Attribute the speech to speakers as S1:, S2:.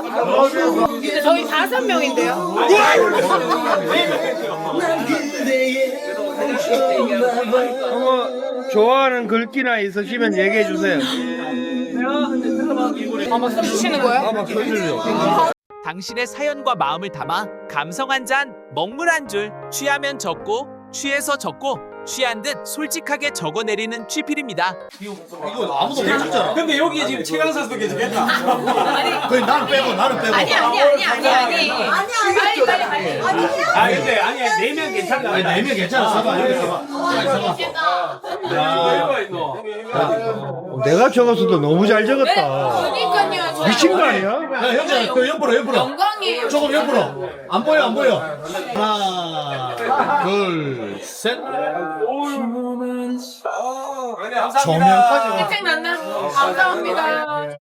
S1: 근데 저희 5명인데요.
S2: 좋아하는 글귀나 있으시면 얘기해 주세요.
S1: 막 써주시는 거예요?
S2: 막 써주세요.
S3: 당신의 사연과 마음을 담아 감성 한 잔, 먹물 한 줄, 취하면 적고, 취해서 적고, 취한 듯 솔직하게 적어내리는 취필입니다.
S4: 이거 아무도 못 찾잖아.
S5: 근데 여기 지금 최강사도 계시겠다.
S4: 그래 나는 빼고 나는 빼고.
S1: 아니.
S5: 아 근데 아니야 4명 괜찮다.
S4: 아니 4명 괜찮아. 사봐 이렇게 사봐.
S2: 내가 적었어도 너무 잘 적었다.
S1: 그러니까요.
S2: 미친 거 아니야?
S4: 야 형제 그 옆으로
S1: 영광이에요.
S4: 조금 옆으로. 안 보여 안 보여. 하나 둘 셋.
S5: 감사합니다.
S4: 조명까지 와.
S1: 혜택 났나? 감사합니다.